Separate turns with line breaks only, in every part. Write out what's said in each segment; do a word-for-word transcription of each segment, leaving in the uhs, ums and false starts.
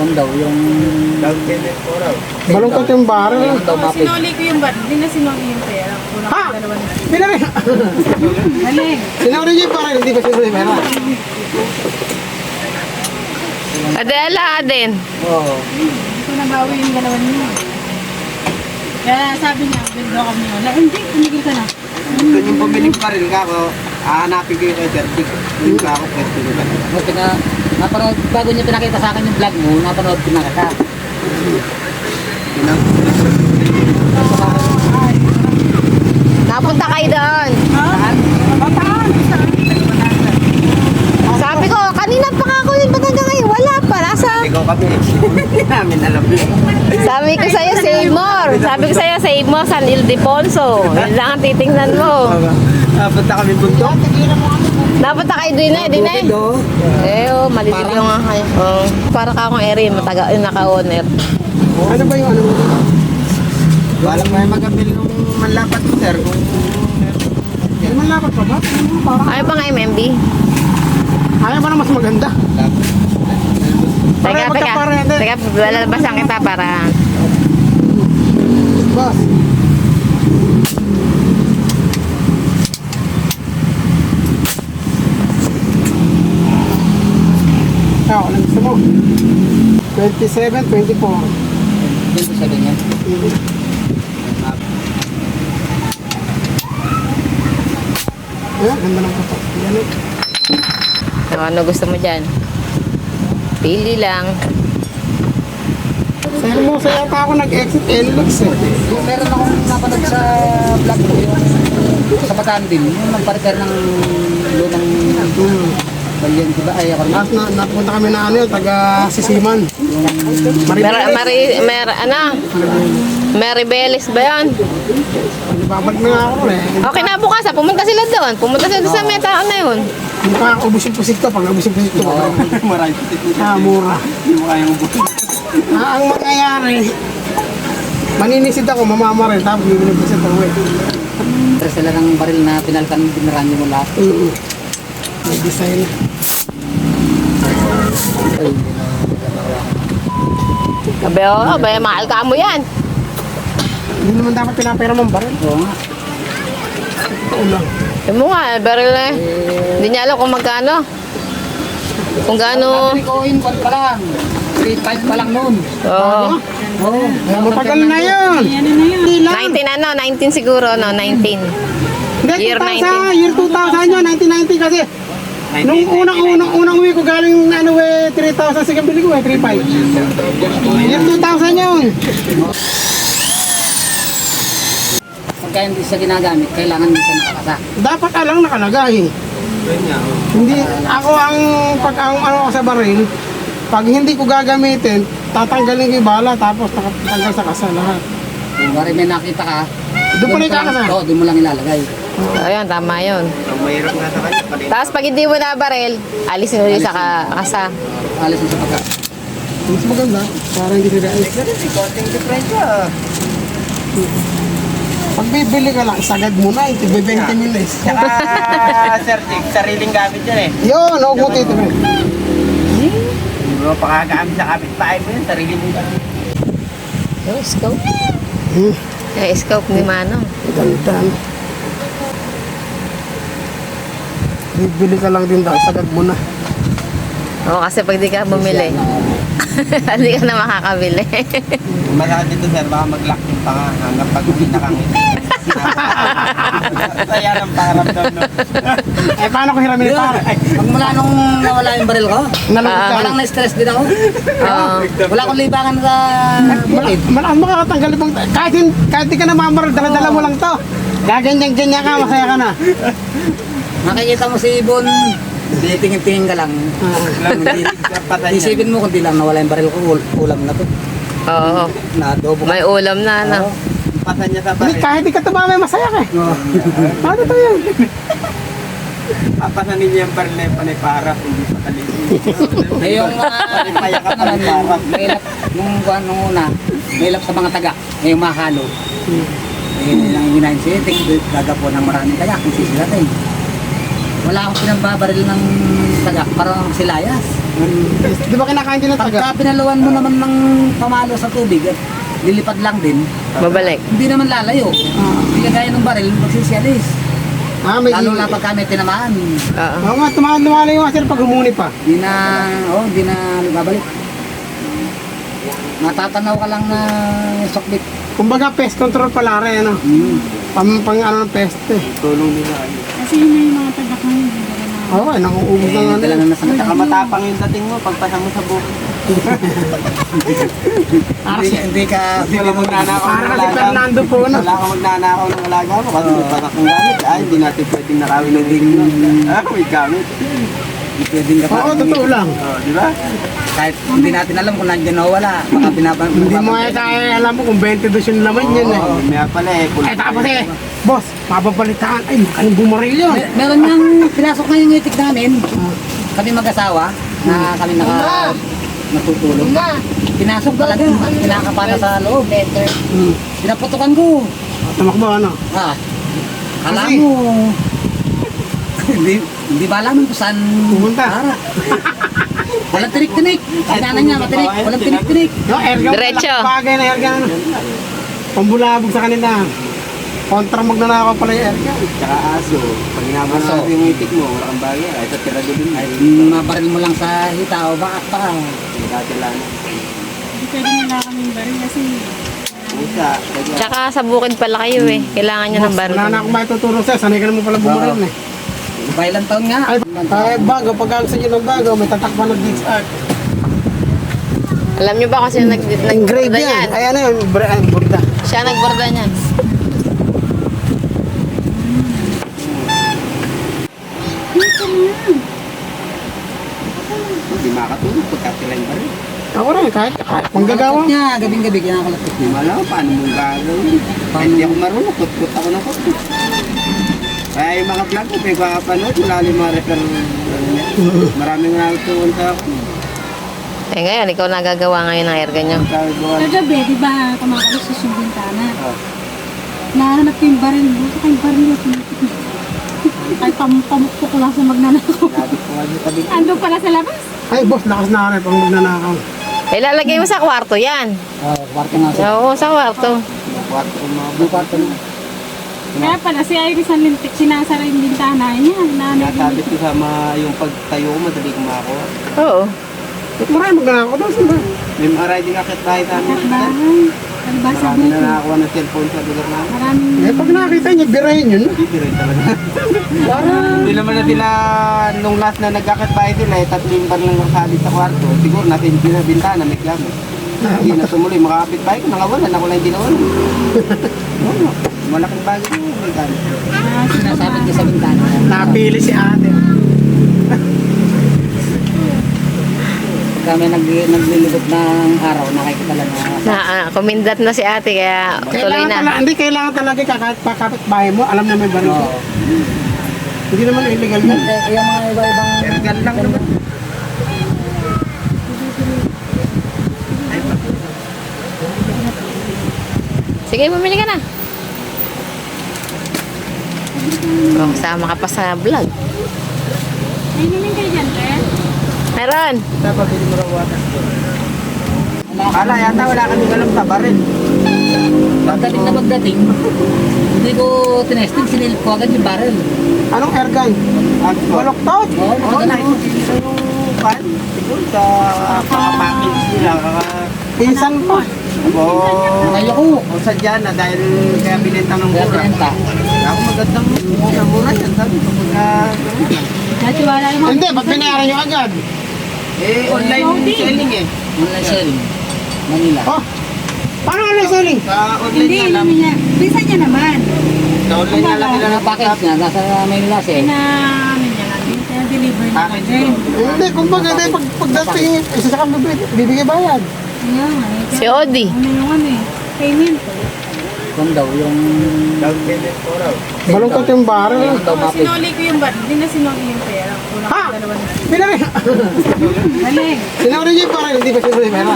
lang daw, yung...
Balungkot yung baril.
Yung daw mapit.
Sinuli ko yung bat, hindi na sinuli yung pera. Kulang
Ha?
ko dalawa na.
Pinari.
Galing.
Sinuri niyo yung baril, hindi ba sinuri yung pera?
Adela din.
Oo.
Hindi ko nabawi yung dalawa niyo. Kaya sabi niya, bildo kami. Wala, hindi, tumigil ka na.
Doon yung pumiling pa rin ka ako, hahanapin ko yung kay Bertik. Yung ka ako, Bertik ko ba?
Mo pina napanood bago niya pinakita sa akin yung vlog mo, napanood ko na kita.
Napunta kayo doon.
Saan? Saan?
Sabi ko, kanina pa nga ako yun, ba't hanggang ngayon? Wala pa, nasa...
Ikaw kami, hindi namin alam yun.
Sabi ko sa'yo, save more. Sabi ko sa'yo, save more, San Ildefonso. Yun lang ang titingnan mo.
Napunta kami bundok.
Napunta kayo din eh, din eh. Eh, oh, malilim yung nga kayo. Oh, para ka akong area, mataga, yung naka-owner.
Ano ba yung ano mo?
Walang may magabili ng manlapat ko, sir. Kung
Ano man lapat pa ba? Ano mo parang?
Ayaw pa nga M M B?
Ayaw ba na mas maganda?
Teka,
Pareho
teka.
magkaparehas.
Teka, lalabasan kita para...
Boss. Ikaw, anong gusto mo? twenty-seven, twenty-four.
Yun ko sabi niya.
Ayan, ganda ng kapat. Yan eh.
So, ano gusto mo dyan? Pili lang.
Sa Hermosa yata ako nag-exit Enlux eh.
Yung meron akong napanood sa vlog ko, yung sa Bataan din, yung nagpa-repair ng lunang
Hmm.
balyan, diba? Ay, ako rin.
Tapos na, napunta kami na ano yun, taga Sisiman.
Mer, Mari, mer, ano? Mary Belis ba yan?
Babalik na nga ako eh.
Okay na bukas, ah. Pumunta sila doon. Pumunta sila doon sa meta, ano yun?
Hindi pa ako ubus yung pusik to. Pag ubus yung pusik to,
marami.
ah, mura.
Hindi mo kayang ubusin.
Ah, ang mangyayari, maninisid ako, mamama rin, tapos bibili ko sa tawe.
Pero sila ng baril na pinalkan, binarami mo lahat.
Mm. May design.
Sabi, oh, ba, mahal ka mo yan.
Hindi naman dapat pinapera mong baril.
Oo nga.
Oo lang.
Sabi mo nga, baril eh. Hindi niya alam kung magkano. Kung gaano.
Sabi ko, in pa lang. three five pa lang noon.
Oo.
Oo.
Matagal na yun.
Yan na yun.
Hindi lang.
nineteen ano, nineteen siguro, no, nineteen.
Hindi,
Year
two thousand,
nineteen.
year two thousand yun, nineteen ninety kasi. Nung unang unang unang uwi ko galing ano eh, three thousand, sige bili ko eh, three five. Year two thousand yun.
Pagka hindi siya ginagamit, kailangan hindi siya nakakasa.
Dapat alang nakalagay. Hindi, ako ang pag ang ano ko sa baril, pag hindi ko gagamitin, tatanggalin ko yung bala tapos tatanggal sa kasa lahat.
Kung bari may nakita ka,
Doon pa rin
lang-
kakasa.
Oo, doon mo lang ilalagay.
Ayun, tama yun.
Ang mahirap nga sa kanya, palit.
Tapos pag hindi mo na baril, alisin ulit sa ka- kasa.
Alis mo sa pagka.
Mas maganda, para hindi sila alis.
Konting diferensya.
Pag bibili ka lang, isagad mo na, ito twenty minutes.
Tsaka, Sir Dick, sariling gamit yan eh.
Yun, huwag mo tito.
Hindi mo pakagamit sa kapitbahay mo yun, sarili mo yun.
Yung scope.
Hmm,
Yung scope ni Manong.
ganda. Bibili ka lang din daw, isagad mo na.
Oo, kasi pag di ka bumili, hindi ka na makakabili.
Masakit dito, sir, baka mag-lock yung panga hanggang pag hindi nakangiti. Saya ng pangaramdam, no?
Eh, paano ko hiramin ito?
Pag mula nung nawala yung baril ko,
Nalagod ka.
walang na-stress din ako.
Oo.
Wala akong libangan sa bukid.
Malakas makakatanggal ibang, kahit, hin- kahit di ka na mamaral, dala-dala mo lang to. Gaganyan-ganyan ka, masaya ka na.
Nakikita mo si Ibon, tingin-tingin ka lang.
Patay niya.
Isipin mo kung di lang nawala yung baril ko, ul- ulam na to.
Oo.
Na-adobo.
May ulam na, ano.
Patay niya sa
Hindi,
baril.
kahit di ka tumama, masaya ka eh. Ano to yan?
Papasanin niya yung baril na yung panay para, hindi patalim.
Eh, yung mga
Payak ka
naman,
panay para.
may lap, nung buwan nung una, may lap sa mga taga, may yung makahalo. Eh, yun ang ginahin siya, gagapo ng maraming taga, kung sisilatin. wala akong pinambabaril ng taga, parang silayas.
Di ba kinakain din ng taga?
Pagka pinaluan mo naman ng pamalo sa tubig at lilipad lang din,
Babalik.
hindi naman lalayo. Hindi kagaya ng baril, magsisialis.
Ah, may
Lalo na pagka may tinamaan.
Oo.
Oo nga, tumahan-tumahan yung sir pag humuni pa.
Di na, oh, di na babalik. Matatanaw ka lang na sokbit.
Kumbaga pest control pala rin, ano?
Hmm.
Pang, pang ano ng pest eh.
Tulong nila.
Kasi yun na yung mga taga-kan.
Oo, eh, nakuubos na nga
Dala
nila.
na nasa mata.
Saka matapang yung dating mo, pagpasa mo sa buko.
Hindi, hindi ka,
Wala kang magnanakaw ng
Para si
alaga.
Fernando po, no?
Wala kang magnanakaw ng alaga mo kasi may patak ng gamit. Ay, hindi natin pwedeng nakawin ng ding mo. Ah, may gamit.
hindi pwedeng ka
Oo, totoo lang.
Oh, di ba?
Kahit hindi natin alam kung nandiyan o wala. Baka binaban.
Hindi mo eh tayo alam mo kung twenty-two yung laman yan eh.
Oo, may pala eh.
Ay, tapos eh, boss, mapapalitaan. Ay, magkano bumaril yun?
Mer- meron niyang pinasok na yung itik namin. Kami mag-asawa na kami naka natutulog. Pinasok talaga. Kinakapana sa loob.
Hmm.
Pinaputukan ko.
Tumakbo, ano?
Ah. Kala
Kasi-
mo. hindi, hindi ba alam kung saan
Pupunta.
para. Walang tinik-tinik. Sinana niya, matinik. Walang tinik-tinik.
No, airgun.
Diretso.
Bagay na airgun. Pambulabog sa kanila. Kontra magnanakaw pala yung airgun.
Tsaka aso. Pag inaman
Aso.
natin yung itik mo, wala kang bagay. Ay, sa tirado din. Ay,
Mabaril mo lang sa hita o baka pa.
hindi natin lang.
Hindi pwede nila kaming baril kasi
Musa. kaya-
Tsaka sa bukid pala kayo eh. Kailangan nyo ng baril.
Wala na akong maituturo sa'yo. Sanay ka naman pala bumaril eh.
Iba ilang taon nga.
Ay, ay, bago. Pag gusto nyo ng bago, may tatakpan ng Geeks Art.
Alam nyo ba kasi nag
Engrave
nagborda
yan.
niyan?
Ay, ano yun? Bra- ay, burda.
Siya nagborda niyan.
Hindi makatulog pagka sila yung baril.
Ako rin, kahit, kahit manggagawa.
Kalapit niya, gabing-gabi kinakalapit
Hindi
niya.
mo alam paano mong gagawin. Kaya hindi ako marunong, kut-kut ako ng kut-kut. Kaya yung mga vlog ko, may kapanood, wala yung mga refer, ano niya. Maraming natutuwan sa ako.
Eh ngayon, ikaw nagagawa ngayon ng airgun nyo.
Sabi ko, ano,
kagabi, di ba, kumakalis sa yung bintana.
oh,
Nahanap ko yung baril. Buto kayong baril. Ay, pam pamukpok ko lang sa magnanakaw.
sabi ko nga yung tabi ko.
Ando pala sa labas.
Ay, boss, lakas na rin pang magnanakaw.
Eh, lalagay mo sa kwarto yan.
Oh, kwarto nga siya.
Oo, sa kwarto.
Kwarto ko mga
Yung kwarto na.
Kaya pala, si Iris ang lintik, sinasara yung bintana niya. Nanay
Sabi ko sa mga yung pagtayo ko, madali ko makakuha.
Oo.
Marami magnanakaw daw sila.
May mga riding akit bahay namin.
at bahay. Alba sa
Marami na
buko.
nakakuha ng cellphone sa lugar namin.
Maraming
Eh, pag nakita niyo, birahin yun.
Hindi rin talaga. Hindi naman na sila, nung last na nagkakit bahay sila, eh, tatlo yung bar lang nakasalit sa kwarto. Siguro nasa hindi na bintana, may gamit. Hindi na tumuloy, makakapit bahay ko, nangawalan, ako lang hindi nawalan. Oo, malaking bagay mo, may gamit.
Sinasabit niya sa bintana.
Napili si ate.
Pagka may nag naglilibot ng araw, nakikita lang na
Na, ah, kumindat na si ate, kaya tuloy
Kailangan
na.
talaga, hindi kailangan talaga kakapit pakapit bahay mo, alam na may baril.
Oo.
Hindi naman illegal yun.
Eh, yung mga iba-ibang
Ergan lang naman.
Sige, bumili ka na. Oh, sama ka pa sa vlog.
Ay, namin kayo dyan, te.
Meron.
Dapat hindi mo raw watas doon. Kala yata wala kami alam sa baril.
Pagdating na pagdating, hindi ko tinesting, sinilip ko agad yung barrel.
Anong airgun?
At
Baloktot?
Oo,
Oo,
matagal na.
nakikita yung pan. Siguro sa kakapackage nila. Kaka...
Pinsan pa.
Oo.
Ngayon ko,
O sadya na dahil kaya binenta ng
kaya
mura.
pinenta.
Ako magandang mura, mura yan. Sabi ko pagka...
Natiwala naman.
Hindi, ba't binayaran nyo agad?
Eh, online
Loading.
selling eh.
Online selling. Manila.
Oh, paano ano selling?
Sa online
Hindi,
nga lang.
namin niya. Bisa niya naman.
Sa online nga lang nila
Ang package niya, nasa Manila siya. eh.
Pina, ano niya namin. Kaya deliver na
Package
din.
ko.
Hindi, kumbaga, di, pag, pagdating, isa sa kami, bibigay bayad.
Kaya nga eh.
Si Odi.
Ano yung ano eh. Payment.
Kung daw, yung...
Down payment po raw.
Balungkot yung baril.
Yung daw
Oh,
mapit.
sinuli ko yung bar. Hindi na sinuli yung pera. Kulang
Ha?
ko dalawa na.
Pinari.
Galing.
Sinuri niyo yung baril, hindi ba sinuri pera?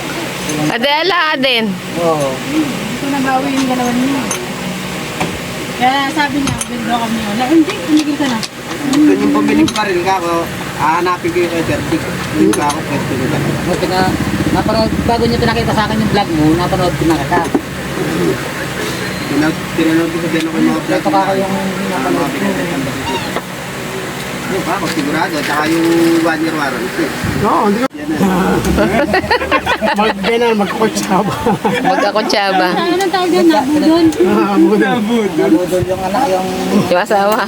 Adela din.
Oo.
Hindi ko nabawi yung dalawa niya. Kaya sabi niya, withdraw kami. Wala, hindi, tumigil ka na.
Kung yung pumiling pa rin ka ako, hahanapin ko yung kay Dertik. Yung ka ako, pwede ko ka.
Buti na, napanood, bago niyo pinakita sa akin yung vlog mo, napanood ko na kita.
Tinanood ko sa din ako yung mga vlog.
Ito ka ako yung napanood ko.
Ano pa ako, sigurado. Tsaka yung one year warranty.
Oo, hindi ko.
Yan na.
Mag-ganan, magkukutsaba.
Magkakutsaba.
Ano nang tawag yan? Nabudol.
Ah, budol.
Nabudol yung anak, yung...
Yung asawa.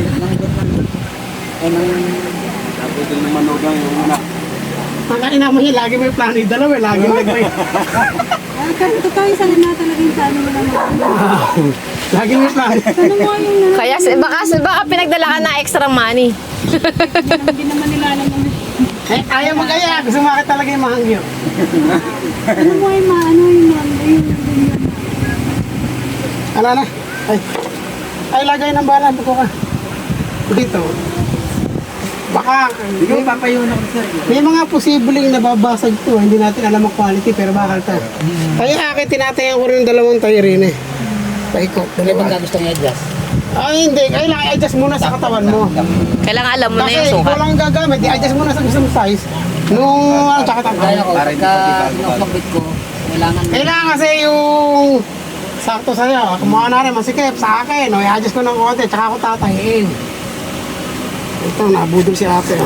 Ay, nang...
Naputol naman ako yung anak.
Ang kaina mo yun, lagi may plano yung dalawa, eh, lagi nagpay.
Ah, kasi totoo yung salina talaga yung sa ano mo naman.
Lagi may plano.
Ano mo yung nalang?
Kaya baka, baka pinagdala ka na extra money.
Hindi naman nila alam mo.
Eh, ayaw mag-aya, gusto makita talaga yung mahangyo.
Ano mo yung maano yung maano yung ganyan.
Ala na. Ay, ay lagay ng bala, buko ka. Dito. Baka,
Hindi ko papayunan ako sir.
may mga posibleng nababasag to. Hindi natin alam ang quality, pero bakal to. Kaya akin, tinatayan ko rin yung dalawang tayo rin eh. Paikot.
Kung ibang gusto niya i-adjust.
Ay, hindi. Kailangan i-adjust muna sa katawan mo.
Kailangan alam mo na
Kasi
yung
ikaw
sukat.
lang gagamit, i-adjust muna sa isang size. Nung ano, tsaka
Kaya
tangkay.
ko, pagka sinusokbit ko, kailangan...
Kailangan kasi yung sakto sa'yo. Kumuha na rin, masikip sa akin. O, i-adjust ko ng konti, tsaka ako tatayin. Ito, nabudol si ate.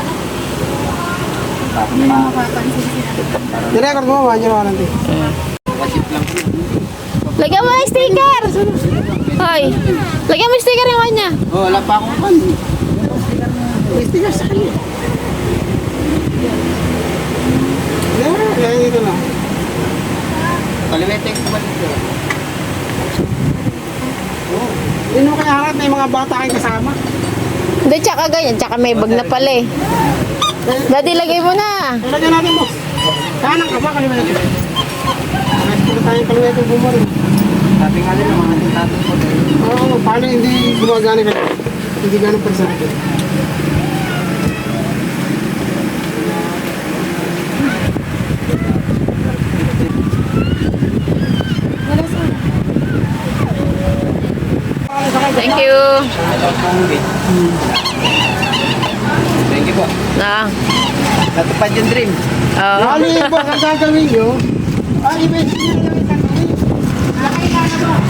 Hindi mo mapapansin sila.
I-record mo, one year warranty.
Watchit lang po.
Lagyan mo ng sticker! Hoy, lagyan mo yung sticker yung kanya.
Oh, wala pa akong kan.
May sticker sa kanya. Yeah, kaya dito na.
Kalimetek ko ba dito?
Yun mo kaya harap, may mga bata kayong kasama.
Hindi, tsaka ganyan. Tsaka may bag na pala eh. Daddy, lagay mo na.
Ilagyan natin, boss. Kanan ka ba, kalimetek? Nakikita tayong kalimetek bumaril.
Sabi nga nila, mga tintatong ko dahil.
Oo, paano hindi gumagana ka? Hindi ganun personal.
Thank you.
Thank you po.
Na.
Natupad yung dream.
Oo.
Bali, boss, ang gagawin nyo, ay, i-message nyo lang isang week. Nakailangan mo.